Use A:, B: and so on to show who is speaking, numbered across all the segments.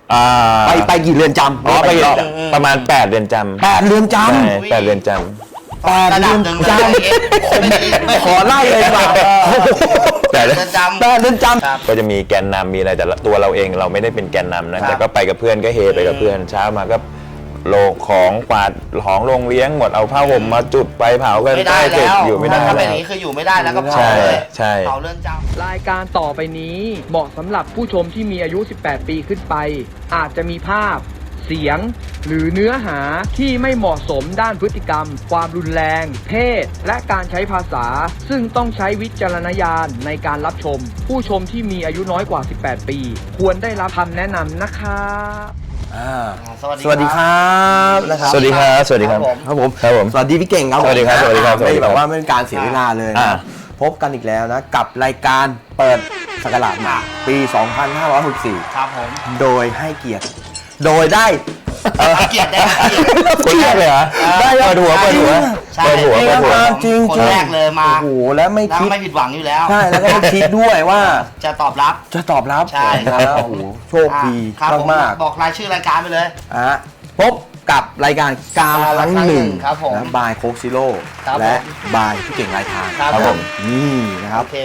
A: ไปกี่เรือนจำ
B: ไปประมาณ8 เรือนจำ
A: 8 เรือนจำ
B: 8 เรือนจำ
A: 8 เรือนจำขอไล่เลยดีกว่า
B: 8 เรื
A: อนจ
B: ำก็จะมีแกนนำมีอะไรแต่ตัวเราเองเราไม่ได้เป็นแกนนำนะแต่ก็ไปกับเพื่อนก็เฮไปกับเพื่อนเช้ามาก็โลของกวาดของโรงเลี้ยงหมดเอาผ้าห่มมาจุดไปเผากัน
C: ไม่ได้แล้ว
B: อยู่ไม่ได้
C: ถ้าเป็นอย่างนี้คืออยู่ไม่ได้แล้วก็เผาเลยเผาเรือนจำ
D: รายการต่อไปนี้เหมาะสำหรับผู้ชมที่มีอายุ 18 ปีขึ้นไปอาจจะมีภาพเสียงหรือเนื้อหาที่ไม่เหมาะสมด้านพฤติกรรมความรุนแรงเพศและการใช้ภาษาซึ่งต้องใช้วิจารณญาณในการรับชมผู้ชมที่มีอายุน้อยกว่า 18 ปีควรได้รับคำแนะนำนะครับ
A: สวัสดีครับนะครับ
B: สวัสดีครับสวัสดีครับ
A: ครับผม
B: ส
A: วัสดีพี่เก่งครับ
B: สวัสดีครับสวัสดีครับ
A: ไม่แบบว่าไม่เป็นการเสียเวลาเลยนะพบกันอีกแล้วนะกับรายการเปิดศักราชใหม่ปี 2564
C: ครับผม
A: โดยให้เกียรติโดยได้
C: เกียรติได้
B: คนแรกเลยเหรอ
A: ได้
B: เปิดหัว
A: จริง
C: คนแรกเลยมา
A: โอ้โหแล้วไม่คิด
C: ไม่ผิดหวังอยู่แล้ว
A: ใช่แล้วก็ไม่คิดด้วยว่า
C: จะตอบรับ
A: ใช่ครับโอ้โหโชคดีมาก
C: บอกรายชื่อรายการไปเลย
A: พบกับรายการกาครั้งหนึ่งนะบายโคกซิโร่และบายพี่เก่งรายทาง
C: ครับผม
A: นี่นะครับ
C: โอเค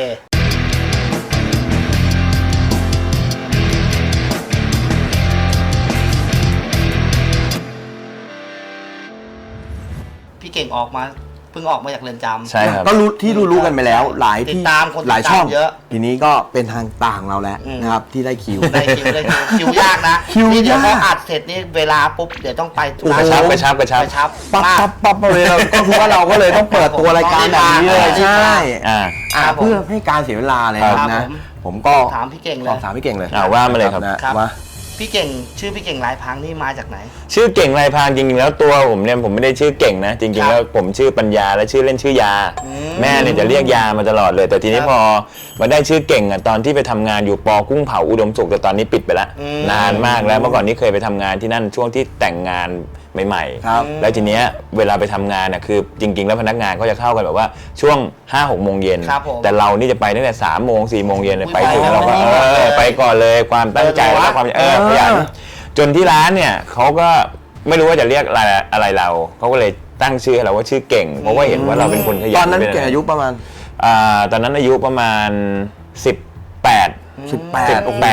C: พี่เก่งออกมาเพิ่งออกมาจากเรือนจำ
B: ใช่ครับ
A: ก็รู้ที่รู้กันไปแล้วหลายที่หลายช่อง
C: เยอะ
A: ทีนี้ก็เป็นทางต่างเราแล้วนะครับที่ได้คิ
C: วยากนะ
A: คิวยาก
C: เดี๋ยวพออัดเสร็จนี่เวลาปุ๊บเดี๋ยวต้องไป
B: กระชับ
A: ปั๊บเลยก็คือว่าเราก็เลยต้องเปิดตัวรายการแบบนี้เลยใช่เพื่อให้การเสียเวลาเลยนะผมก็
C: ถามพี่เก่งเลย
B: ว่ามาเลยครับ
A: ว่า
C: พี่เก่งชื่อพี่เก่งลายพรางนี่มาจากไหน
B: ชื่อเก่งลายพรางจริงๆแล้วตัวผมเนี่ยผมไม่ได้ชื่อเก่งนะจริงๆแล้วผมชื่อปัญญาและชื่อเล่นชื่อยาแม่เนี่ยจะเรียกยามาตลอดเลยแต่ทีนี้พอมาได้ชื่อเก่งอ่ะตอนที่ไปทำงานอยู่ปอกุ้งเผาอุดมสุขแต่ตอนนี้ปิดไปแล้วนานมากแล้วเมื่อก่อนนี้เคยไปทำงานที่นั่นช่วงที่แต่งงานใหม่ๆแล้วทีเนี้ยเวลาไปทำงานน่ะคือจริงๆแล้วพนักงานเขาจะเข้ากันแบบว่าช่วง 5-6 โมงเย็นแต่เรานี่จะไปตั้งแต่3 โมง 4 โมงเย็นไปถึงเราก็ไปก่อนเลยความตั้งใจและความขยันจนที่ร้านเนี่ยเขาก็ไม่รู้ว่าจะเรียกอะไรเราเขาก็เลยตั้งชื่อให้เราว่าชื่อเก่งเพราะว่าเห็นว่าเราเป็นคนขยัน
A: ตอนนั้นเก่งอายุประมาณ
B: ตอนนั้นอายุประมาณ18
A: โอ้โห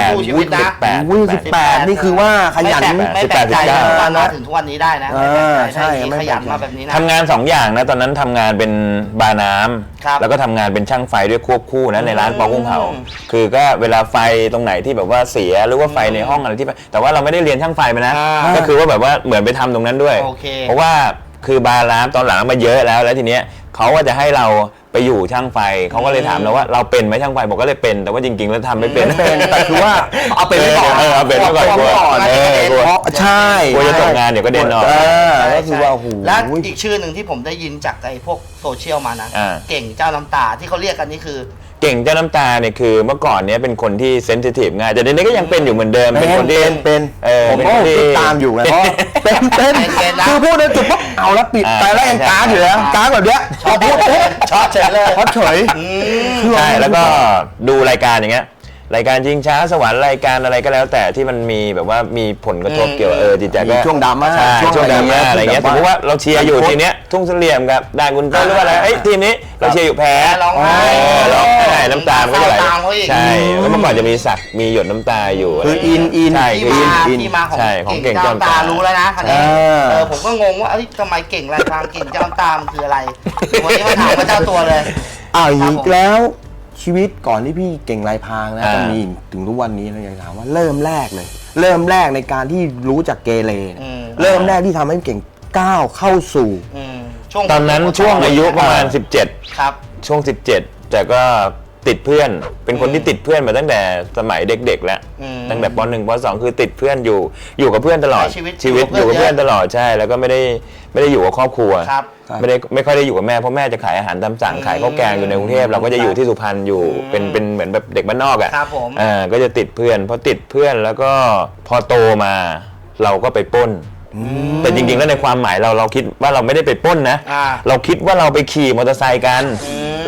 B: 18
A: นี่คือว่าขยัน
C: ไม่แปลกใจมาถึงทุกวันนี้ได้นะ
A: ใช่
C: ขยันมาแบบนี้นะ
B: ทำงาน2 อย่างนะตอนนั้นทำงานเป็นบาร์น้ำแล้วก็ทำงานเป็นช่างไฟด้วยควบคู่นะในร้านปอกุ้งเผาคือก็เวลาไฟตรงไหนที่แบบว่าเสียหรือว่าไฟในห้องอะไรที่แต่ว่าเราไม่ได้เรียนช่างไฟไปนะก็คือว่าแบบว่าเหมือนไปทำตรงนั้นด้วยเพราะว่าคือบาร์น้ำตอนหลังมาเยอะแล้วทีเนี้ยเขาก็จะให้เราไปอยู่ช่างไฟเขาก็เลยถามเราว่าเราเป็นไหมช่างไฟบอกก็เลยเป็นแต่ว่าจริงๆแล้วทำไม่เป็น
A: แต่คือว่าเอาเป็นไม่ก่อน
B: เอาเป็นไม่ก่อน
A: ใช่
B: กลัวจะตกงานเดี๋ยวก็เด่นออก
A: ก็คือว่าโอ้โห
C: และอีกชื่อหนึ่งที่ผมได้ยินจากไอ้พวกโซเชียลมานะเก่งเจ้าน้ำตาที่เขาเรียกกันนี่คือ
B: เก่งเจ้าน้ำตาเนี่ยคือเมื่อก่อนเนี้ยเป็นคนที่เซนซิทีฟง่ายแต่เดี๋ยวนี้ก็ยังเป็นอยู่เหมือนเดิมเป็นคนที่
A: เป็นผมก็ติดตามอยู่ไงเพราะเป็นคือพูดในจุดปุ๊บเอาแล้วปิดไปแล้วยังก้าอยู่แล้วก้าแบบเนี้ยพอพูด
C: ช็อตเฉยเลย
A: ช็อตเฉย
B: ใช่แล้วก็ดูรายการอย่างเงี้ยรายการชิงช้าสวรรค์รายการอะไรก็แล้วแต่ที่มันมีแบบว่ามีผลกระทบเกี่ยวจิตใจก็
A: ช่วงดราม่า
B: ช่วงดราม่าอะไรเงี้ยสมมติว่าเราเชียร์อยู่ทีเนี้ยทุ่งเสลี่ยมกับด่านกุนเตอร์หรือว่าอะไรทีมนี้เราเชียร์อยู่แพ้
C: ร้องไห้
B: น้ำตาก็จะไหลใช่แล้วเมื่อก่อนจะมีสักมีหยดน้ำตาอยู่
A: คืออิน
B: ใช่
C: ที่มาของเก่งเจ้าน้ำตารู้แล้วนะคันนี้ผมก็งงว่าทำไมเก่งรายทางเก่งเจ้าน้ำตาคืออะไรวันนี้มาถามพระเจ้าตัวเลย
A: อีกแล้วชีวิตก่อนที่พี่เก่งลายพรางนะจะมีถึงทุกวันนี้เราอยากถามว่าเริ่มแรกในการที่รู้จักเกเรเริ่มแรกที่ทำให้เก่งก้าวเข้าสู่
B: ตอนนั้นช่วงอายุประมาณ17
C: ครับ
B: ช่วง17แต่ก็ติดเพื่อนเป็นคนที่ติดเพื่อนมาตั้งแต่สมัยเด็กๆแล้วตั้งแต่ป.1 ป.2 คือติดเพื่อนอยู่กับเพื่อนตลอดชีวิตอยู่กับเพื่อนตลอดใช่แล้วก็ไม่ได้อยู่กับครอบครัวไม่ค่อยได้อยู่กับแม่เพราะแม่จะขายอาหารตามสั่งขายข้าวแกงอยู่ในกรุงเทพเราก็จะอยู่ที่สุพรรณอยู่เป็นเหมือนแบบเด็กบ้านนอกอ่ะก็จะติดเพื่อนพอติดเพื่อนแล้วก็พอโตมาเราก็ไปปล้นแต่จริงๆแล้วในความหมายเราคิดว่าเราไม่ได้ไปปล้นนะเราคิดว่าเราไปขี่มอเตอร์ไซค์กัน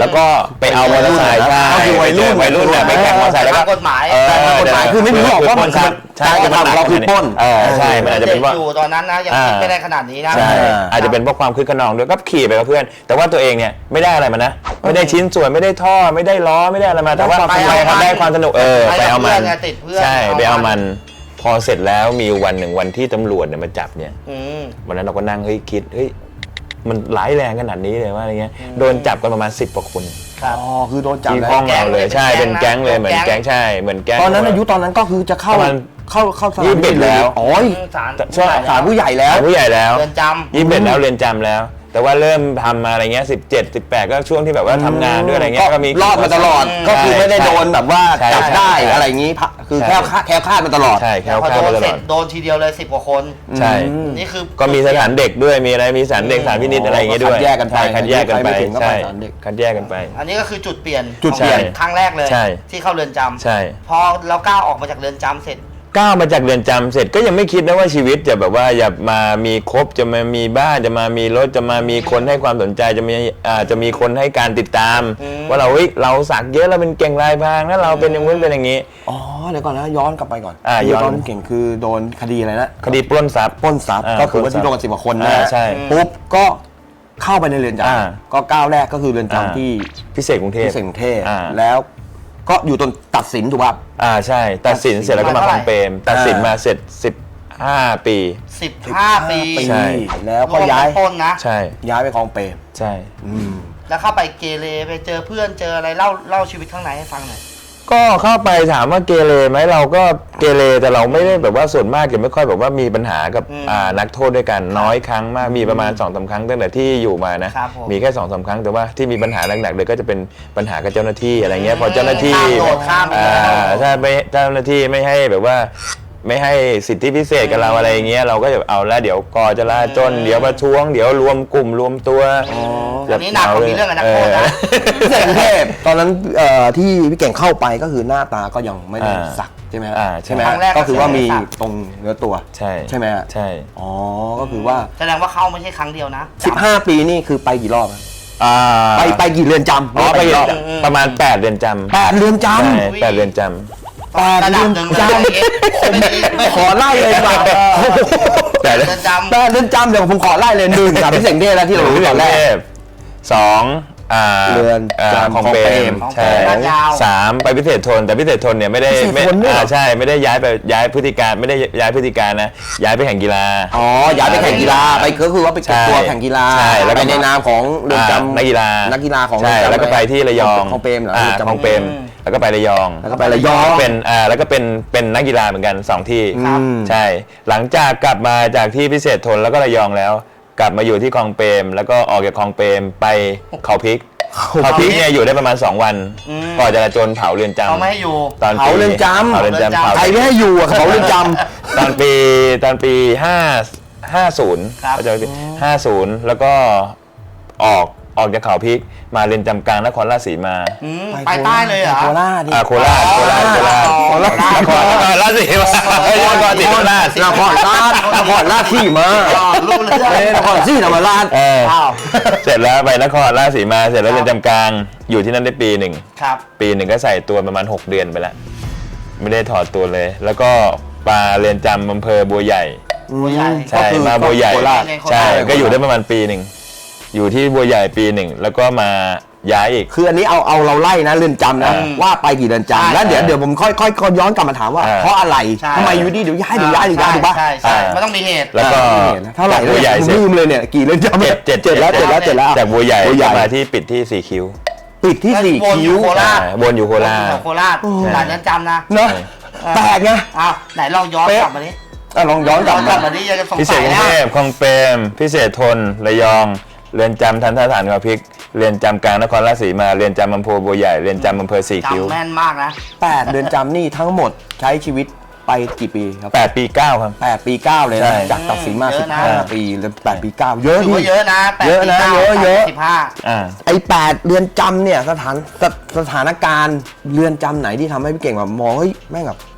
B: แล้วก็ไปเอามอเตอร์ไซค์ใช่
A: ก็คือวัยรุ่น
B: เนี่ยไปแข่งมอเตอร์ไซค์แล้วก็
C: ตามกฎหมาย
A: กฎหมายคือไม่รู้หรอกว่ามัน
B: ใช่
A: การกระทำของเราคือปล้น
B: ใช่มันอาจจะเป็นว่า
C: อยู่ตอนนั้นนะยังคิดไม่ได้ขนาดนี้นะ
B: ใช่อาจจะเป็นเพราะความคึกขนองด้วยก็ขี่ไปกับเพื่อน แต่ว่าตัวเองเนี่ยไม่ได้อะไรมานะไม่ได้ชิ้นส่วนไม่ได้ท่อไม่ได้ล้อไม่ได้อะไรมาแต่ว่า
C: ไป
B: ไปครับได้ความสนุกไปเอามัน
C: ติดเพื่อน
B: ใช่ไปเอามันพอเสร็จแล้วมีวันหนึ่งวันที่ตำรวจเนี่ยมาจับเนี่ย
C: อืม
B: วันนั้นเราก็นั่งคิดมันร้ายแรงขนาดนี้เลยว่าอะไรเงี้ยโดนจับกันประมาณ10 กว่าคน
C: ครับ
A: อ๋อคือโดนจับ
B: ที่
A: แล้
B: ห้อ
A: ว
B: งเราเลยใช่เป็นแก๊งเลยเหมือนแก๊งใช่เหมือนแก๊ง
A: ตอนนั้นอายุตอนนั้นก็คือจะเข้า
B: ประมาณ
A: เข้าสถาน
B: 21แล้ว
A: อ๋อ
C: ศาล
A: ศาลผู้ใหญ่แล้ว
B: ผู้ใหญ่แล้ว
C: เรือนจำ
B: 21แล้วเรียนจำแล้ว แต่ว่าเริ่มทำมาอะไรเงี้ย17 18ก็ช่วงที่แบบว่าทำงานด้วยอะไรเงี้ยก็มี
A: รอดมาตลอด ก็คือไม่ได้โดนแบบว่า
B: ใช่
A: จับได้
B: ใช่
A: อะไรอย่างนี้คือ
B: ใช่
A: แคล้วคลาดมาตลอด
B: ใช่แค่
C: พอ
B: ข้า
C: โด
B: มาน ต
C: เส
B: ล
C: ร็
B: อ
C: จ
B: ด
C: โดนทีเดียวเลย10 กว่าคน
B: ใช่
C: นี่คือ
B: ก็มีสถานเด็กด้วยมีอะไรมีสถานเด็กสถานพินิจอะไรอย่างเงี้ยด้วย
A: คัดแยกกันไป
B: ใช่คัดแยกกันไป
A: ไม่ถึงก็ไป
B: ใช่
A: สถานเด็ก
B: คัดแยกกันไป
C: อันนี้ก็คือจุดเปลี่ยน
A: จุดเปลี่ยน
C: ของครั้งแรกเลย
B: ใช่
C: ที่เข้าเรือนจำ
B: ใช่
C: พอเราก้าวออกมาจากเรือนจำเสร็จ
B: ก้าวมาจากเรือนจำเสร็จก็ยังไม่คิดนะว่าชีวิตจะแบบว่าอย่ามามีครบจะมามีบ้านจะมามีรถจะมามีคนให้ความสนใจจะมีคนให้การติดตาม ว่าเราสักเยอะเราเป็นเก่งลายพรางแล้วเราเป็นอย่างนู้นเป็นอย่างนี้
A: อ๋อเดี๋ยวก่อนนะย้อนกลับไปก่อน
B: ย้อน
A: ตอนเก่งคือโดนคดีอะไรนะ
B: คดีปล้นทรัพย์
A: ปล้นทรัพย์ก็คือว่าที่โดนกัน10 กว่าคนนะ
B: ใช่
A: ปุ๊บก็เข้าไปในเรือนจ
B: อ่า
A: ำก็ก้าวแรกก็คือเรือนจำที่
B: พิเศษกรุงเทพ
A: ที่เศษกรุงเทพ
B: อ่า
A: แล้วก็อยู่จนตัดสินถูกป่ะ
B: ใช่ตัดสินเสร็จแล้วก็มาคลองเปรมตัดสินมาเสร็จ15 ปี
C: 15 ปี
B: ใช่
A: แล้วก็ย้าย
C: รวมทั้งต้นนะ
B: ใช่
A: ย้ายไปคลองเปรม
B: ใช่
C: แล้วเข้าไปเกเรไปเจอเพื่อนเจออะไรเล่าชีวิตข้างในให้ฟังหน่อย
B: ก็เข้าไปถามว่าเกเรไหมเราก็เกเรแต่เราไม่ได้แบบว่าส่วนมากจะไม่ค่อยแบบว่ามีปัญหากับนักโทษด้วยกันน้อยครั้งมากมีประมาณ 2-3 ครั้งตั้งแต่ที่อยู่มานะครับ
C: ผม
B: มีแค่ 2-3 ครั้งแต่ว่าที่มีปัญหาหนักๆเลยก็จะเป็นปัญหากับเจ้าหน้าที่อะไรเงี้ยพอเจ้าหน้าที่
C: ข้ามไป
B: ถ้าไม่เจ้าหน้าที่ไม่ให้แบบว่าไม่ให้สิทธิพิเศษกับเราอะไรอย่างเงี้ยเราก็จะเอาแล้วเดี๋ยวกอจราจนเดี๋ยวประท้วงเดี๋ยวรวมกลุ่มรวมตัว
C: อันนี้หนักกว่ามีเรื่องกับนักโทษนะ
A: พิเศษกรุงเทพตอนนั้นที่พี่เก่งเข้าไปก็คือหน้าตาก็ยังไม่ได้สักใช่ไหมฮะ
B: ใช่
A: ใช่ไหม
C: ครั้
A: ฮะ
C: งแรก
A: ก็คือว่ามี
C: ก็คือไม่ได้สัก
A: ตรงเนื้อตัว
B: ใช่
A: ใช่ไหมฮะ
B: ใช่
A: อ๋อก็คือว่า
C: แสดงว่าเข้าไม่ใช่ครั้งเดียวนะ
A: 15 ปีนี่คือไปกี่รอบฮะ
B: อ่า
A: ไปกี่เรือนจำ
B: อ๋อไป
A: กี่รอบ
B: ประมาณ8 เดือนจำ
A: 8 เรือนจ
B: ใช่8 เดือนจำ
A: 8
C: ระ
A: เรื
C: ดับ
A: อน
C: หนึ่ง
A: จ
C: เลย
A: ำขอไล่เลยดีกว่า
B: แต่
C: เรือนจำ
A: 8 เรือนจำเดี๋ยวผมขอไล่เลย1ครับพิเศษกรุงเทพแล้วที่เรารู้ตอนแรก
B: 2
A: เรือนจำ
B: ของเปรม
C: ของเปรม
B: ใช่
C: ลาดยาว
B: 3ไปพิเศษทนแต่พิเศษทนเนี่ยไม่ได้
A: พิเศษทนด้วยเหรอ
B: ใช่ไม่ได้ย้ายพฤติการไม่ได้ย้ายพฤติการนะย้ายไปแข่งกีฬา
A: อ๋อย้ายไปแข่งกีฬาไปก็คือว่าไปเก็บตัว
B: ใช่
A: แข่งกีฬา
B: ใช่แล้วก็
A: ไปในนามของเรือนจำ
B: นักกีฬา
A: นักกีฬาของ
B: ใช่
A: เรือนจำ
B: แล้วก็ไปที่ระยอง
A: ของเปรมเหรอ
B: อ่า
A: เรือนจำ
B: ของเปรมแล้วก็ไประยอง
A: แล้วก็ไประยอง
B: เป็นแล้วก็เป็นนักกีฬาเหมือนกัน2 ที่
C: ครับ
B: ใช่ หลังจากกลับมาจากที่พิเศษทนแล้วก็ระยองแล้ว กลับมาอยู่ที่คลองเปรมแล้วก็ออกจากคลองเปรมไปเขาพริกเขาพริกเนี่ยอยู่ได้ประมาณ2 วันก่อนจราจรเผาเรือนจำ
C: เขาไม่ให้อยู่
B: ตอน
A: เผาเรือนจำ
B: เผาเรือนจำ
C: เผา
B: เผา
A: ใครไม่ให้อยู่อะเขาเรือนจ
B: ตอนปี50
C: ครับ
B: ก็จะ50 แล้วก็ออกจากเขาพริกมาเรือนจำกลางนครราชสีมา
A: ำ
C: ไปใต้เลยเหรอ
A: โคราชดิ
B: โคราชนครราชสีมาไม่ใช่นครศรีธรรมราช
A: นครราชที่มา
C: รู้เรื่อง
A: นครศรีธรรมราช
C: อ้าว
B: เสร็จแล้วไปนครราชสีมาเสร็จแล้วเรือนจำกลางอยู่ที่นั่นได้ปีหนึ่ง
C: ครับ
B: ปีหนึ่งก็ใส่ตัวประมาณ6 เดือนไปแล้วไม่ได้ถอดตัวเลย แล้วก็ปาเรือนจำอำเภอบัวใหญ่
C: บัวใหญ่
B: ใช่มาบัวใหญ่
A: โคราช
B: ใช่ก็อยู่ได้ประมาณปีหนึ่งอยู่ที่บัวใหญ่ปีหนึ่งแล้วก็มาย้ายอีก
A: คืออันนี้เอาเราไล่นะเรือนจำนะ ว่าไปกี่เรือนจำแล้วเดี๋ยวผมค่อยย้อนกลับมาถามว่า เพราะอะไรทำไมอยู่ดีเดี๋ยวย้ายถูกปะ
C: ใช่มันต้องมีเหตุ
B: แล้วก็
A: เท่าไหร่
B: บัวใหญ่
A: ผม
B: เสร็จ
A: ลืมเลยเนี่ยกี่เรือนจำ
B: เจ็ดแล้วจากบัวใหญ่ก็มาที่ปิดที่4 คิ้ว
A: ปิดที่สี่
C: วนอยู่
A: คิ้ว
C: โคราช
B: วนอยู่โคราช
C: โคราชหลายเรือนจำนะ
A: เนาะแปลกไง
C: อ้าวไหนลองย้อนกลับมาดิ
A: ลองย้อนกลับ
C: กลั
A: มา
C: บมาดิยังจะสง
B: พิเศ
C: สั
B: ษ
C: ย
B: กรุง
C: นะ
B: เทพคลองเปรมพิเศษทนระยองเรือนจำทันทสถานเขาพริกเรือนจำกลางนครราชสีมาเรือนจำอำเภอบัวใหญ่เรือนจำอำเภอ4 คิ้ว
C: จำแม่นมากนะ
A: 8 เดือนจำนี่ทั้งหมดใช้ชีวิตไปกี่ปีครับ
B: 8 ปี 9 ครับ
A: 8 ปี 9 เลย
B: ใช่
A: นะจากตัดสินมา
C: เยอะนะ
A: 15 ปีแล้ว8 ปี 9 เยอะ
C: ถือ
A: ดิ
C: ว่าเยอะนะ8
A: เยอะนะ
C: ปี
A: เยอะ
C: 15
B: อ่า
A: ไอ้8 เรือนจำเนี่ยสถานการณ์เรือนจำไหนที่ทำให้พี่เก่งแบบมองเฮ้ยแม่งแบบ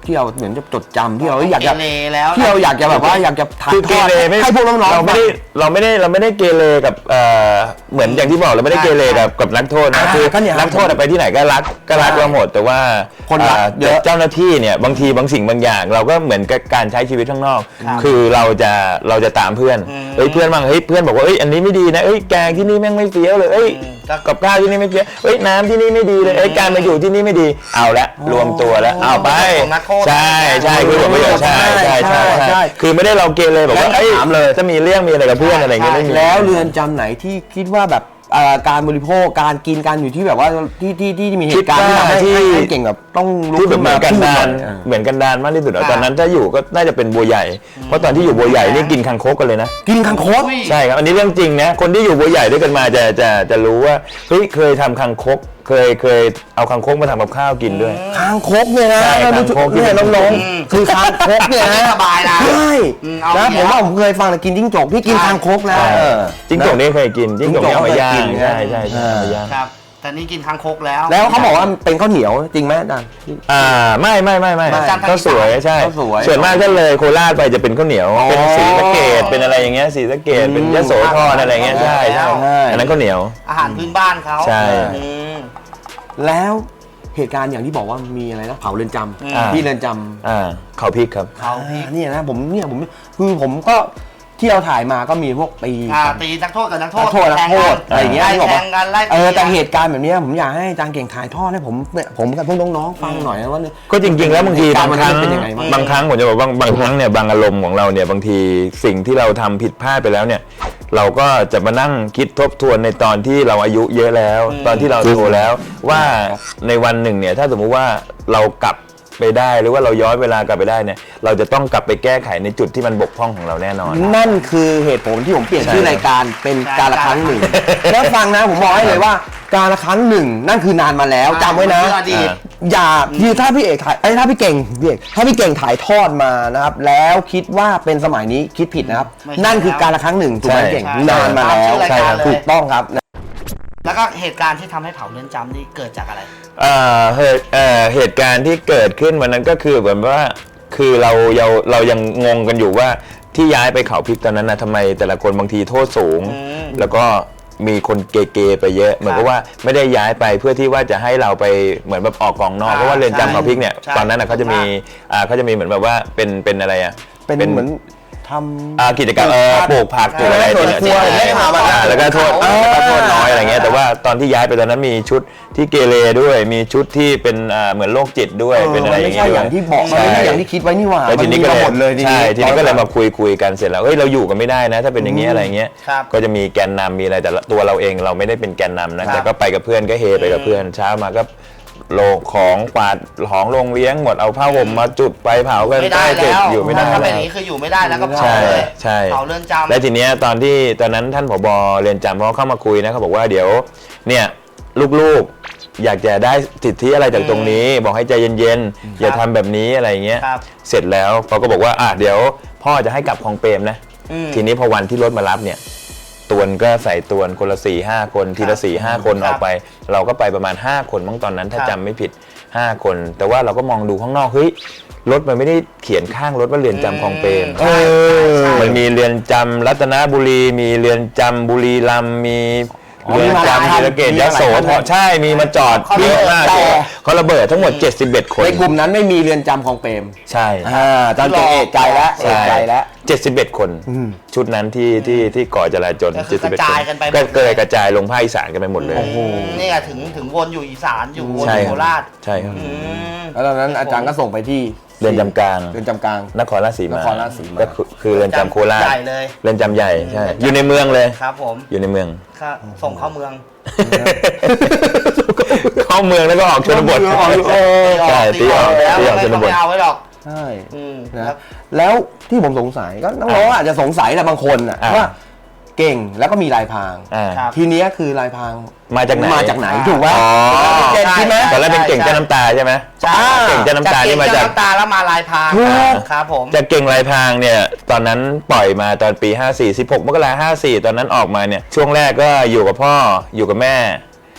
A: ที่เราเหมือนจะจดจำที่เราอยากจะ
C: เกเรแล้ว
A: ที่เราอยากจะแบบว่าอยากจะถ่าย
B: คือ
A: ท
B: เก
A: อด
B: เรไม่
A: ให้พวกน้องๆ
B: เราไม่ได้เกเรกับเหมือนอย่างที่บอกเราไม่ได้เกเรกับนักโทษนะคือ
A: ก็เนี่ย
B: นักโทษไปที่ไหนก็รักเราหมดแต่ว่า
A: คนรักเยอะ
B: เจ้าหน้าที่เนี่ยบางทีบางสิ่งบางอย่างเราก็เหมือนกับการใช้ชีวิตข้างนอก คือเราจะตามเพื่อนเฮ้ยเพื่อนบางเพื่อนบอกว่าเอ้ยอันนี้ไม่ดีนะเอ้ยแกงที่นี่แม่งไม่เฟี้ยวเลยเอ้ยกับข้าวที่นี่ไม่เฟี้ยวเอ้ยน้ำที่นี่ไม่ดีเลยเอ้ยการมาอยู่ที่นี่ไม่ดีเอาละรวมตัวแล้วเอาไปใช่คือผลประโยชน์ใช่คือไม่ได้เราเกเรแบบว่าเอ้ยจะมีเรื่องมีอะไรกับเพื่อนอะไรอย่างเงี้ยไม่มี
A: แล้วเรือนจำไหนที่คิดว่าแบบการบริโภคการกินการอยู่ที่แบบว่าที่มีเหตุการณ์ที่ทำให้เก่งแบบต้องลุก
B: ที่แบ
A: ขึ้
B: บ
A: น
B: เหมื
A: มา
B: อนกัน
A: พูด
B: ดาน เหมือนกันดานมากที่สุดตอนนั้นถ้าอยู่ก็น่าจะเป็นบัวใหญ่เพราะตอนที่อยู่บัวใหญ่นี่กินคังคกกันเลยนะ
A: กินคังคก
B: ใช่ครับอันนี้เรื่องจริงนะคนที่อยู่บัวใหญ่ด้วยกันมาจะรู้ว่าเฮ้ยเคยทำคังคกเคยเอาคังคกมาทำกับข้าวกินด้วย
A: คางคกเนี่ยนะ
B: ใช่คางคก
A: เนี่ยน้องๆคือคางคกเนี่ยนะ
C: สบายนะ
A: ใช่
C: เอา
A: นะ
C: อย่างเงี้
A: ผม
C: ย
A: ว่าผมเคยฟังแต่กินจิ้งจกพี่กินคางคกแล้ว
B: จิ้งจกนี่เคยกินจิ้งจกนี่เอามาย่างใช่เอามาย่าง
C: ครับแต่นี่กินคางคกแล้ว
A: แล้วเขาบอกว่าเป็นข้าวเหนียวจริงไหมอาจารย์
B: ไม่ก็สวยใช่
A: ข้าวสวย
B: ส่วนมากก็เลยโคราชไปจะเป็นข้าวเหนียวเป็นสีสะเกดเป็นอะไรอย่างเงี้ยสีสะเกดเป็นยโสธรอะไรเงี้ยใช่อันนั้นข้าวเหนียว
C: อาหารพื้นบ้านเขา
B: ใช่
C: อืม
A: แล้วเหตุการณ์อย่างที่บอกว่ามีอะไรนะเผาเรือนจำที่เรือนจำ
B: เขาพริกครับ
C: เขาพริก
A: เนี่ยนะผมคือผมก็ที่เราถ่ายมาก็มีพวกตี
C: ตีนักโทษกับนักโทษ
A: นักโทษอะไรอย่างเงี้ย
C: ไล่
A: ที่บอก
C: แท
A: ว่าง
C: กันไล่
A: แต่เหตุการณ์แบบเนี้ยผมอยากให้อาจารย์เก่งถ่ายทอดให้ผมกับพวกน้องๆฟังหน่อยนะว่า
B: ก็จริงๆแล้วบางทีบางครั้ง
A: เป็นยังไงบ้าง
B: บางครั้งผมจะบอกว่าบางครั้งเนี่ยบางอารมณ์ของเราเนี่ยบางทีสิ่งที่เราทำผิดพลาดไปแล้วเนี่ยเราก็จะมานั่งคิดทบทวนในตอนที่เราอายุเยอะแล้ว ตอนที่เราโตแล้วว่าในวันหนึ่งเนี่ยถ้าสมมุติว่าเรากลับไปได้หรือว่าเราย้อนเวลากลับไปได้เนี่ยเราจะต้องกลับไปแก้ไขในจุดที่มันบกพร่องของเราแน่นอน
A: นั่นคือเหตุผลที่ผมเปลี่ยน
B: ใช่
A: ชื่อรายการเป็นการละครั้งหนึ่ง แล้วฟังนะผมบอกให้เลยว่าการละครั้งหนึ่งนั่นคือนานมาแล้วจำไว้นะ
C: อดีต
A: อย่าคือถ้าพี่เอกถ่ายถ้าพี่เก่งถ้าพี่เก่งถ่ายทอดมานะครับแล้วคิดว่าเป็นสมัยนี้คิดผิดนะครับ
C: ไม่ใช่
A: นั่นคือการละครั้งหนึ่งถูกไหม
B: ใช่
A: เก่ง
C: ใช่
A: นานมาแล้ว
C: ใช่ครับ
A: ถูกต้องครับ
C: แล้วก็เหตุการณ์ที่ทำให้เผาเรือนจำนี่เกิดจากอะไร
B: เหตุการณ์ที่เกิดขึ้นวันนั้นก็คือเหมือนว่าคือเรายังงงกันอยู่ว่าที่ย้ายไปเขาพริกตอนนั้นนะทำไมแต่ละคนบางทีโทษสูง แล้วก็มีคนเกๆไปเยอะเหมือนกับว่าไม่ได้ย้ายไปเพื่อที่ว่าจะให้เราไปเหมือนแบบออกกองนอกเพราะว่าเรือนจำเขาพริกเนี่ย
C: ใช่
B: ตอนนั้นเขาจะมีเหมือนแบบว่าเป็นอะไรอ่ะ
A: เป็นเหมือนทำ
B: กิจกรรมปลูกผักปลูกอะไร
A: สวนครัว
B: ที่
A: ได้ข่าวมา
B: แล้วก็โทษน้อยอะไรเงี้ยแต่ว่าตอนที่ย้ายไปตอนนั้นมีชุดที่เกเรด้วยมีชุดที่เป็นเหมือนโรคจิตด้วยเป็นอะไร
A: มัน
B: อ
A: ไม่
B: ย่าง
A: ใช่
B: เงี้ย
A: อย่างที่บอกมันไม่ใช่อย่างที่คิดไว้นี่หว่า
B: แล้วทีนี้ก็
A: มั
B: เลย
A: หมดเลย
B: ใช่ทีนี้ก็เลยมาคุยกันเสร็จแล้วเฮ้ยเราอยู่กันไม่ได้นะ ถ้าเป็นอย่างเงี้ยอะไรเงี้ย
C: ครับ
B: ก็จะมีแกนนำมีอะไรแต่ตัวเราเองเราไม่ได้เป็นแกนนำนะแต่ก็ไปกับเพื่อนก็เฮไปกับเพื่อนเช้ามาก็โลของกวาดของโรงเลี้ยงหมดเอาผ้าห่มมาจุดไปเผากัน
C: ไม่ได้
B: ใต้ตึ
C: แล้
B: ก
C: ว
B: อยู่ไม่ได้
C: ถ้าเป็น
B: แล้
C: อ
B: ว
C: ย่างนี้คืออยู่ไม่ได้แล้วก็เผา
B: ใช่
C: เลย
B: ใช่
C: เผาเรือนจำ
B: และทีเนี้ยตอนนั้นท่านผบเรือนจำเขาเข้ามาคุยนะเขาบอกว่าเดี๋ยวเนี่ยลูกๆอยากจะได้สิทธิอะไรจากตรงนี้ บอกให้ใจเย็นๆอย่าทำแบบนี้อะไรเงี้ย
C: ครับ
B: เสร็จแล้วเขาก็บอกว่าเดี๋ยวพ่อจะให้กลับคลองเปรมนะ ทีนี้พอวันที่รถมารับเนี่ยตวนก็ใส่ตวนคนละ4-5 คนทีละ4-5 คนออกไป เราก็ไปประมาณ5 คนมั้งตอนนั้นถ้าจำไม่ผิด5 คน แต่ว่าเราก็มองดูข้างนอกเฮ้ยรถมันไม่ได้เขียนข้างรถว่าเรือนจำคลองเปรม
C: ใช่ใช่
B: มันมีเรือนจำรัตนบุรีมีเรือนจำบุรีรัมย์มีเรือนจำศรีสะเกษยโสธรใช่มีมาจอดเยอะมากเขาระเบิดทั้งหมด71 คน
A: ในกลุ่มนั้นไม่มีเรือนจำของเปรม
B: ใช่
A: อาจารย์เก่งเอกใจแล้วเอกใจแล้ว
B: 71 คนชุดนั้นที่ก่อจราจร
C: ก็คือกระจายกันไปหมด
B: ก็เกิดกระจายลงภาคอีสานกันไปหมดเลย
C: นี่ไงถึงวนอยู่อีสานอยู่วน
B: ใช่
C: อยู่
B: ค
C: โครับ ราช
B: ใช่ครับ
C: อืม
A: แล้วตอนนั้นอาจารย์ก็ส่งไปที่
B: เรือนจำกลาง
A: เรือนจำกลาง
B: นครราชสีมาน
A: ครราชสีมา
B: ก็คือเรือนจำโคราช
C: ใหญ่เลย
B: เรือนจำใหญ่ใช่อยู่ในเมืองเลย
C: ครับผม
B: อยู่ในเมือง
C: ครับส่งเข้าเมือง
B: เข้าเมืองแล้วก็ออกชนบท ใช่ตีออก
C: แล้ว
B: ตีออก
C: ไม่
B: ชน
C: ต้อง
B: บ
C: ไป
B: ท
C: เอาไว้หรอก
A: ใช่
C: ครั
A: นะ
C: บ
A: แล้วที่ผมสงสัยก็น้องๆอาจจะสงสัยแหละบางคนน่ะว่าเก่งแล้วก็มีลายพราง
C: ครับ
A: ทีเนี้ยคือลายพราง
B: มาจากไหน
A: มาจากไหนถูกไหม
B: อ๋อ
A: เก่งใช่ไหม
B: ตอนแรกเป็นเก่งเจ้าน้ำตาใช่ไหม
C: ใช่
B: เก่งเจ้าน้ำตานี่มาจาก
C: เน้ำตาแล้วมาลายพราง
A: ถูก
C: ครับผม
B: จากเก่งลายพรางเนี่ยตอนนั้นปล่อยมาตอนปี 54 16 มกราคม 54 ตอนนั้นออกมาเนี่ยช่วงแรกก็อยู่กับพ่ออยู่กับแม่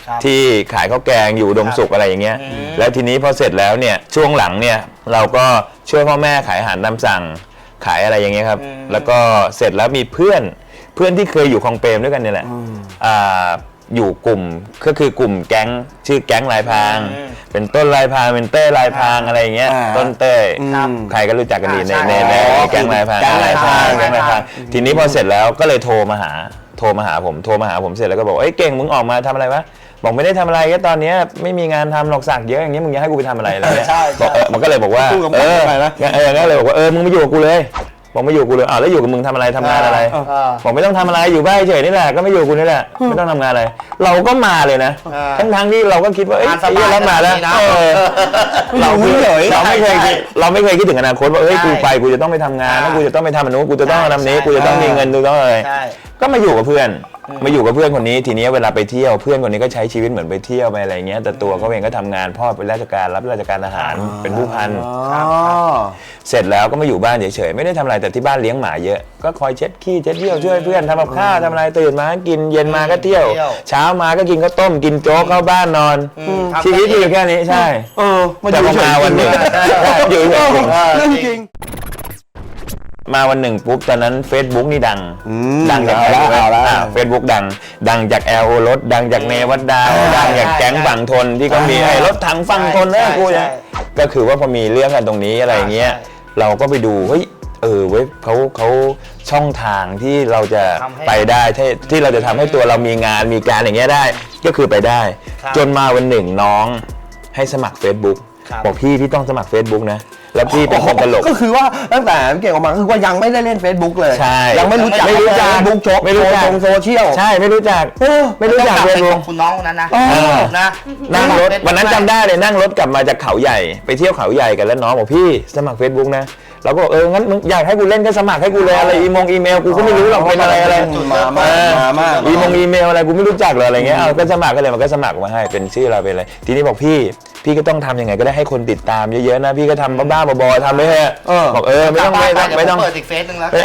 C: ครับ
B: ที่ขายข้าวแกงอยู่อุดมสุขอะไรอย่างเงี้ยแล้วทีนี้พอเสร็จแล้วเนี่ยช่วงหลังเนี่ยเราก็ช่วยพ่อแม่ขายอาหารตามสั่งขายอะไรอย่างเงี้ยครับแล้วก็เสร็จแล้วมีเพื่อนที่เคยอยู่คลองเปรมด้วยกันเนี่ยแหละอยู่กลุ่มก็คือกลุ่มแก๊งชื่อแก๊งลายพรางเป็นต้นลายพรางเป็นเต้ยลายพรางอะไรอย่างเงี้ยต้นเต้ยใครก็รู้จักกันดีในแก๊งลายพรางทีนี้พอเสร็จแล้วก็เลยโทรมาหาผมเสร็จแล้วก็บอกเอ้ยเก่งมึงออกมาทำอะไรวะบอกไม่ได้ทำอะไรก็ตอนนี้ไม่มีงานทำหรอกสักเยอะอย่างเงี้ยมึงจะให้กูไปทำอะไรอะไรเงี้ยมันก็เลยบอกว่าก็เลยบอกว่ามึงมาอยู่กับกูเลยบอกไม่อยู่กูเลยแล้วอยู่กับมึงทำอะไรทำงานอะไรบอกไม่ต้องทำอะไรอยู่บ้านเฉยนี่แหละก็ไม่อยู่กูนี่แหละไม่ต้องทำงานอะไรเราก็มาเลยนะทั้งที่เราก็คิดว่าเรามาแล้วเราไม่เคยคิดถึงอนาคตว่ากูไปกูจะต้องไปทำงานแล้วกูจะต้องไปทำอันนู้นกูจะต้องทำนี้กูจะต้องมีเงินกูต้องอะไรก็มาอยู่กับเพื่อนคนนี้ทีนี้เวลาไปเที่ยวเพื่อนคนนี้ก็ใช้ชีวิตเหมือนไปเที่ยวไปอะไรเงี้ยแต่ตัวเขาเองก็ทำงานพ่อเป็นราชการรับราชการทหารเป็นผู้พันเสร็จแล้วก็มาอยู่บ้านเฉยๆไม่ได้ทำอะไรแต่ที่บ้านเลี้ยงหมาเยอะก็คอยเช็ดขี้เช็ดเยี่ยวช่วยเพื่อนทำกับข้าวทำอะไรตื่นมากินเย็นมาก็เที่ยวเช้ามาก็กินข้าวต้มกินโจ๊กเข้าบ้านนอนชีวิตอยู่แค่นี้ใช่แต่พอมาวันหนึ่งอยู่เรื่องจริงมาวันหนึ่งปุ๊บตอนนั้น Facebook นี่ดังจากเฟซบุ๊กดังจากแอลโอรถดังจากเนวัดดาวดังจากแก๊งฝั่งทนที่ก็มีไอ้รถถังฝั่งทนกูเนี่ยก็คือว่าพอมีเรื่องกันตรงนี้อะไรเงี้ยเราก็ไปดูเฮ้ยเว้ยเขาช่องทางที่เราจะไปได้ที่เราจะทำให้ตัวเรามีงานมีการอย่างเงี้ยได้ก็คือไปได้จนมาวันหนึ่งน้องให้สมัคร Facebook บอกพี่ต้องสมัคร Facebook นะแล้วพี่เป็นคนตลก
A: ก็คือว่าตั้งแต่เก่งออกมาคือว่ายังไม่ได้เล่น Facebook เลย
B: ใช่
A: ยังไม่รู้จัก Facebook ชกไม่รู้จักโซเชียล
B: ใช่ไม่รู้จัก
C: เฟซบุ๊กคุณน้องคนนั้นนะ
B: นั่งรถวันนั้นจำได้เลยนั่งรถกลับมาจากเขาใหญ่ไปเที่ยวเขาใหญ่กันแล้วน้องบอกพี่สมัคร Facebook นะเราก็งั้นมึงอยากให้กูเล่นก็สมัครให้กูเลยอะไรอีเมลกูก็ไม่รู้หรอกเป็นอะไรอีเมลอะไรกูไม่รู้จักเลยอะไรเงี้ยก็สมัครกันเลยมันก็สมัครมาให้เป็นชื่อเราเป็นอะไรทีนี้บอกพี่ก็ต้องทำยังไงก็ได้ให้คนติดตามเยอะๆนะพี่ก็ทำบ้าๆบอๆทำไม่เถอะบอกไม่ต้อง
C: เปิดอีกเฟซนึงแล้ว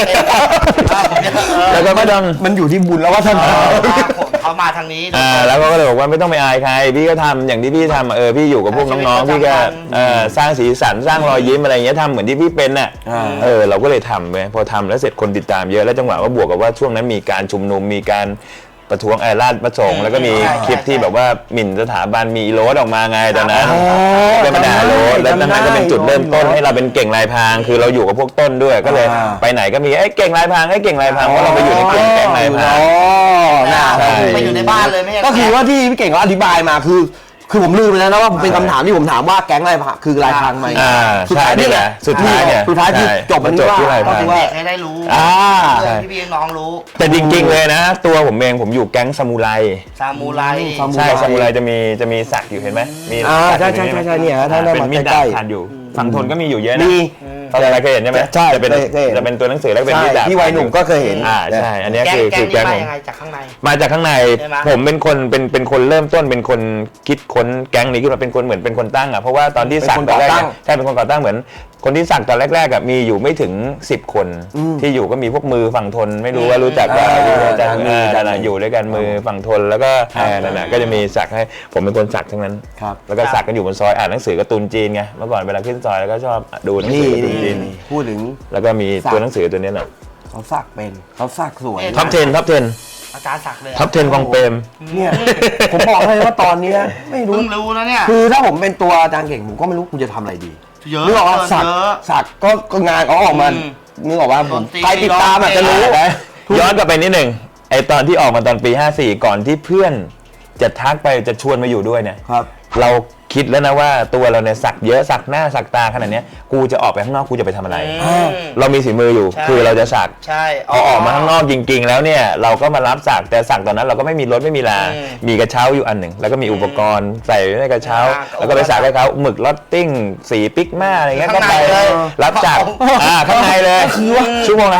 B: แล้วก็ไม่ต้อง
A: มันอยู่ที่บุญแล้วว่าทำ
C: เขามาทางนี้
B: แล้วก็เลยบอกว่าไม่ต้องไปอายใครพี่ก็ทำอย่างที่พี่ทำพี่อยู่กับพวกน้องๆพี่ก็สร้างสีสันสร้างรอยยิ้มอะไรเงี้ยทำเหมือนที่พี่เป็นน่ะเราก็เลยทำไปพอทำแล้วเสร็จคนติดตามเยอะแล้วจังหวะว่าบวกกับว่าช่วงนั้นมีการชุมนุมมีการประท้วงราชประสงค์แล้วก็มีคลิปที่แบบว่าหมิ่นสถาบันมีโรสออกมาไงตอนนั้นเป็นปัญหาโรสแล้วนั้นก็เป็นจุดเริ่มต้นให้เราเป็นเก่งลายพรางคือเราอยู่กับพวกต้นด้วยก็เลยไปไหนก็มีเก่งลายพรางเก่งลายพรางเพราะเราไปอยู่ในกลุ่มแก๊งลายพราง
C: ไปอยู่ในบ้านเลยไม่ใช่
A: ก็คือว่าที่พี่เก่งเขาอธิบายมาคือผมลืมไปแล้วนะว่าเป็นคำถามที่ผมถามว่าแก๊งลายพรางคือลายพรางไหม
B: สุดท้ายนี่แหละสุดท้าย
A: ที่จบมัน
B: ที่ลายพราง
C: ให้ได้รู้พี่น้องรู้
B: แต่จริงๆเลยนะตัวผมเองผมอยู่แก๊งซามูไรใช่ซามูไรจะมีสักอยู่เห็นไหมมี
A: ใช่เนี่ยถ้าได้มาใกล้
B: ๆอยู่ฝั่งทนก็มีอยู่เยอะนะอะไรเคยเห็นใช่ไหม
A: ใช่
B: จะเป็นตัวหนังสือแล้วเป็นมีดาบ
A: ที่วัยหนุ่มก็เคยเห็น
B: ใช่อันนี้คือแก๊งผม
C: มาจากข้างใน
B: ผมเป็นคนเริ่มต้นเป็นคนคิดค้นแก๊งนี้ขึ้นมาเป็นคนเหมือนเป็นคนตั้งเพราะว่าตอนที่สักตอนแรกใช่เป็นคนก่อตั้งเหมือนคนที่สักตอนแรกๆมีอยู่ไม่ถึง10 คนที่อยู่ก็มีพวกมือฝั่งทนไม่รู้ว่ารู้จักกันอยู่ด้วยกันมือฝั่งทนแล้วก็นั่นแหละก็จะมีสักให้ผมเป็นคนสักทั้งนั้นแล้วก็สักกันอยู่บนซอยอ่านหนังสือการ์ตูนจีนไงเมื่อก่อนเวลาขึ้นซอยแล้วก็ชอบดูหนังสือการ์ตูนจีน
A: พูดถึง
B: แล้วก็มีตัวหนังสือตัวนี้แหละ
A: เขาสักเป็นเขาสักสวย
B: ท็อป 10
C: อาจารย์สักเลย
B: ท็อป 10ของเปรม
A: เนี่ยผมบอกเลยว่าตอนนี้ไม่รู้
C: นะเนี่ย
A: คือถ้าผมเป็นตัวอาจารย์เก่งผมก็ไม่รู้คุณจะทำอะไรดีนึกออกว่าสักก็งานเขาออกมานึกออกว่าใครติดตามจะรู้
B: ย้อนกลับไปนิดหนึ่งไอตอนที่ออกมาตอนปี54ก่อนที่เพื่อนจะทักไปจะชวนมาอยู่ด้วยเนี่ยเราคิดแล้วนะว่าตัวเราเนี่ยสักเยอะสักหน้าสักตาขนาดนี้กูจะออกไปข้างนอกกูจะไปทำอะไรเรามีฝีมืออยู่คือเราจะสักพอออกมาข้างนอกจริงๆแล้วเนี่ยเราก็มารับสักแต่สักตอนนั้นเราก็ไม่มีรถไม่มีลามีกระเช้าอยู่อันหนึ่งแล้วก็มีอุปกรณ์ใส่ในกระเช้าแล้วก็ไปสักให้เขาหมึกลอตติ้งสีปิกมาอะไรเงี้ยก็ไปรับจักข้างในเลยชั่วโมงละ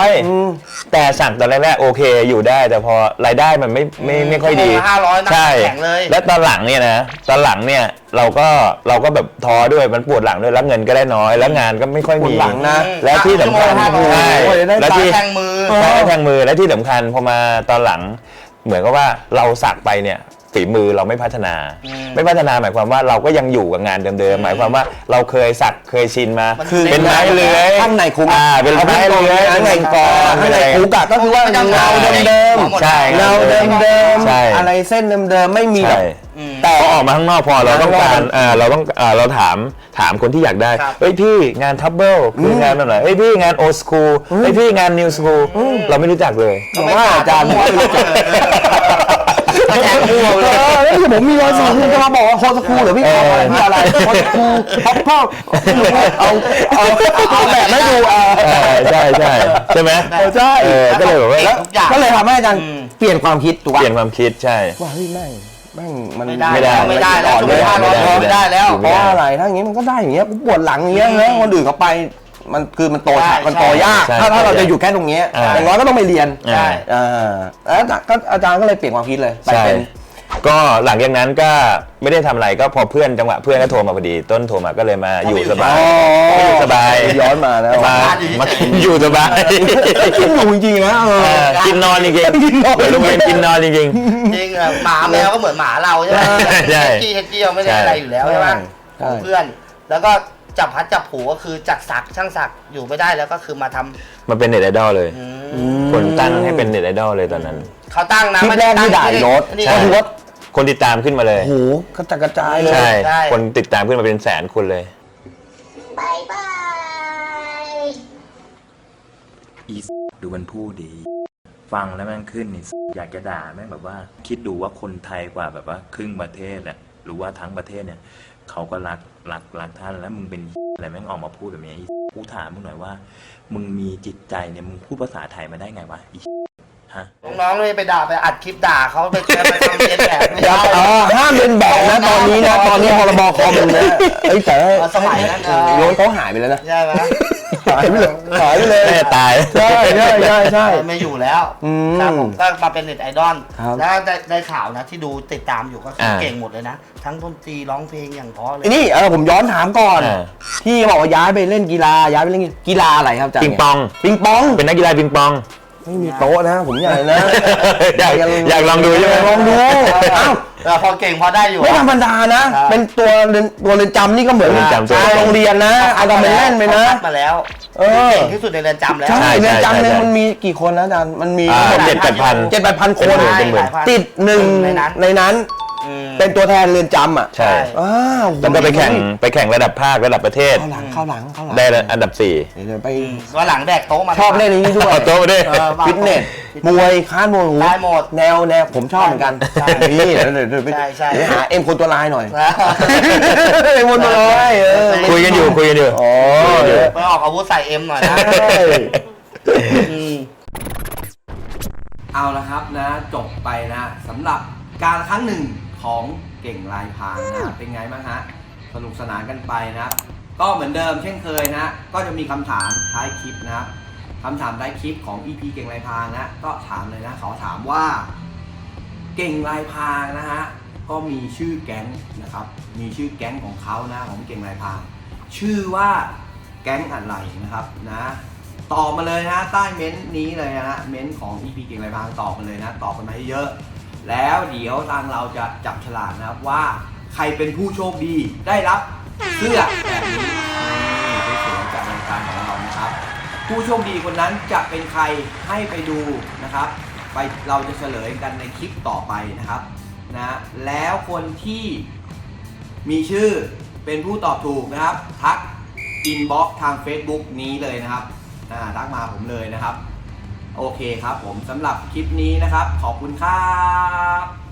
B: 500แต่สักตอนแรกๆโอเคอยู่ได้แต่พอรายได้มันไม่ค่อยดี
C: ใช่
B: และตอนหลังเนี่ยเราก็แบบท้อด้วยมันปวดหลังด้วยแล้วเงินก็ได้น้อยแล้วงานก็ไม่ค่อยมีแล้วที่สำคัญ
C: แล้วที่แทงมือ
B: และที่สำคัญพอมาตอนหลังเหมือนกับว่าเราสักไปเนี่ยฝีมือเราไม่พัฒนา ไม่พัฒนาหมายความว่าเราก็ยังอยู่กับงานเดิมๆหมายความว่าเราเคยสักเคยชินมา
A: คือ
B: เป็นไม้เลื้อย
A: ข้างในคุก
B: เป็นไม้เลื้อย
A: ข้างในกอข้างในคุกก็คือว่าเงาเดิมๆ
B: ใช่
A: เงาเดิม
B: ใช่
A: ๆอะไรเส้นเดิมๆไม่มี
B: ใช่
A: แต่
B: พอออกมาข้างนอกพอเราต้องการเราถามคนที่อยากได้
C: ครับ
B: เฮ้ยพี่งานทับเบิลคืองานแบบไหนเฮ้ยพี่งานโอสคูลเฮ้ยพี่งานนิวสคูลเราไม่รู้จักเลย
A: ผมว่าอาจารย์ผมไม่รู้จัก
C: ก็แทงมั่วเลย
A: แล้วที่ผมมีรอยสักคุณจะมาบอกว่าโคสคูลหรือพี่ทำอะไรพี่อะไรโคสคูลพ็อปพ่อเอาแบบไม่ดู
B: ใช่ใช่ไหม
A: ใช่
B: ก็เลยแบบว่า
A: แล้วก็เลยทำให้อาจารย์เปลี่ยนความคิดถูก
B: เป
A: ป่ะ
B: ลี่ยนความคิดใช่
A: ว่าเฮ้ยแม่งมัน
C: ไม่ได้แล้ว
A: ไม่ได้
C: ไม่ได้แล้ว
A: เพราะอะไรถ้าอย่างงี้มันก็ได้อย่างเงี้ยกูปวดหลังอย่างเงี้ยแล้วคนอื่นเขาไปมันคือมันโตช้ามันโตยาก
B: ใช่
A: ถ้าเราจะอยู่แค่ตรงเนี้ยอย่างน้อยก็ต้องไปเรียน
B: ใช่
A: แล้วก็อาจารย์ก็เลยเปลี่ยนความคิดเลยไป
B: ใช่
A: เป็น
B: ก็หลังจากนั้นก็ไม่ได้ทำอะไรก็พอเพื่อนจังหวะเพื่อนก็โทรมาพอดีต้นโทรมาก็เลยมาอยู่สบายอยู่สบาย
A: ย้อนมาแล้ว
B: มาอยู่สบาย
A: กินหมูจริงๆนะ
B: กินนอนจริงๆเป็นโรงเรียนกินนอนจริง
C: จริงอะหมาแมวก็เหมือนหมาเราใช่ไหม
B: ใช่
C: เฮดกี้เราไม่ได้อะไรอยู่แล้วใช่ไหมของเพื่อน แล้วก็จับพัดจับผูก็คือจักสักช่างสักอยู่ไม่ได้แล้วก็คือมาทำ
B: มาเป็นเน็ตไอดอลเลย คนตั้งให้เป็นเน็ตไอดอลเลยตอนนั้น
C: เขาตั้งนะ
A: คลิปแรกที่ด่ายรถ
C: ใช่
A: ก็คือว่า
B: คนติดตามขึ้นมาเลย
A: โอ้โหกระจัดกระจายเลย
B: ใช่
C: ใช่
B: คนติดตามขึ้นมาเป็นแสนคนเลย
E: ดูมันพูดดี ฟังแล้วแม่งขึ้นนี่อยากจะด่าแม่งแบบว่า คิดดูว่าคนไทยกว่าแบบว่าครึ่งประเทศน่ะหรือว่าทั้งประเทศเนี่ยเขาก็รักท่านแล้วมึงเป็นอะไรแม่งออกมาพูดแบบนี้กูถามมึงหน่อยว่า มึงมีจิตใจเนี่ยมึงพูดภาษาไทยมาได้ไงวะฮะ
C: น้องๆเลยไปด่าไปอัดคลิปด่าเขาไปทำเลียนแบบไม่
A: อย่า
C: ได้
A: ห้ามเป็นแบบนะตอนนี้นะตอนนี้พรบคอมมันนะเอ้ยแต่
C: สมัยนั้น
A: โยนเขาหายไปแล้วนะ
C: ใช่ไหม
A: หายไปเลย
B: แม่ตาย
A: ใช่
C: ไม่อยู่แล้ว
A: อืม
C: ครับผมก็มาเป็นเน็ตไอดอล
A: ครับ
C: แล้วได้ข่าวนะที่ดูติดตามอยู่ก็คือเก่งหมดเลยนะ ทั้งดนตรีร้องเพลงอย่างเพราะเลย
A: นี่ผมย้อนถามก่อน ที่บอกว่าย้ายไปเล่นกีฬาย้ายไปเล่นกีฬาอะไรครับอาจารย์
B: ปิงปอง
A: ปิงปอง
B: เป็นนักกีฬาปิงปอง
A: ไม่มีโต๊ะนะผมอยากนะ
B: อยากลองดูใช่ไหม
A: ลองดูเอ้า
C: พอเก่งพอได้อยู่
A: ไม่ธรรมดานะ เป็นตัวเรือนจำนี่ก็เหมือน
B: เรือนจำ
A: โรงเรียนนะเอาทำเป็นเล่นไปนะ
C: คัดมาแล้ว
A: เออ
C: เก่งที่สุดในเรือนจำแล้ว
A: ใช่
B: ใช่
A: เรือนจำหนึง
B: ใช่
A: มันมีกี่คนนะอาจารย์มันมี
B: 7-8,000
A: 7-8,000 คน
B: เป็นหมื่น
A: ติดหนึ่งในนั้น เป็นตัวแทนเรือนจำอ่ะ
B: ใช่
A: อ้าว
B: แล้วก็ไปแข่งระดับภาคระดับประเทศ
A: เข้าหลัง
B: ได้อันดับ 4
A: เดี๋ยวไป
C: ว่าหลังแดกโต๊ะมา
A: ชอบเล่นนี้ด้วย
B: เอาโต๊ะมาด้วย
A: ฟิตเนสมวยค้านมวยหู
C: ได้หมด
A: แนวผมชอบเหมือนกัน
C: ใช่
A: นี่เดี๋ยวไป
C: ใช่
A: เดี๋ยวหาเอ็มคนตัวลายหน่อยเอ็มคนตัวลาย
B: คุยกันอยู่
A: อ๋อ
C: ไปออกอาวุธใส่เอ็มหน่อยนะ
A: เอาละครับนะจบไปนะสำหรับการครั้งหนึ่งของเก่งลายพรางนะเป็นไงบ้างฮะสนุกสนานกันไปนะก็เหมือนเดิมเช่นเคยนะก็จะมีคำถามท้ายคลิปนะครับคำถามท้ายคลิปของ EP เก่งลายพรางนะก็ถามเลยนะเขาถามว่าเก่งลายพรางนะฮะก็มีชื่อแก๊งนะครับมีชื่อแก๊งของเขานะของเก่งลายพรางชื่อว่าแก๊งอะไรนะครับนะตอบมาเลยนะใต้เม้นต์นี้เลยนะฮะเม้นต์ของ EP เก่งลายพรางตอบมาเลยนะตอบกันมาให้เยอะแล้วเดี๋ยวทางเราจะจับฉลากนะครับว่าใครเป็นผู้โชคดีได้รับเสื้อแบบนี้สวยๆจากรายการของเรานะครับผู้โชคดีคนนั้นจะเป็นใครให้ไปดูนะครับไปเราจะเฉลยกันในคลิปต่อไปนะครับนะแล้วคนที่มีชื่อเป็นผู้ตอบถูกนะครับทักอินบ็อกซ์ทาง Facebook นี้เลยนะครับทักมาผมเลยนะครับโอเคครับผมสำหรับคลิปนี้นะครับขอบคุณครับ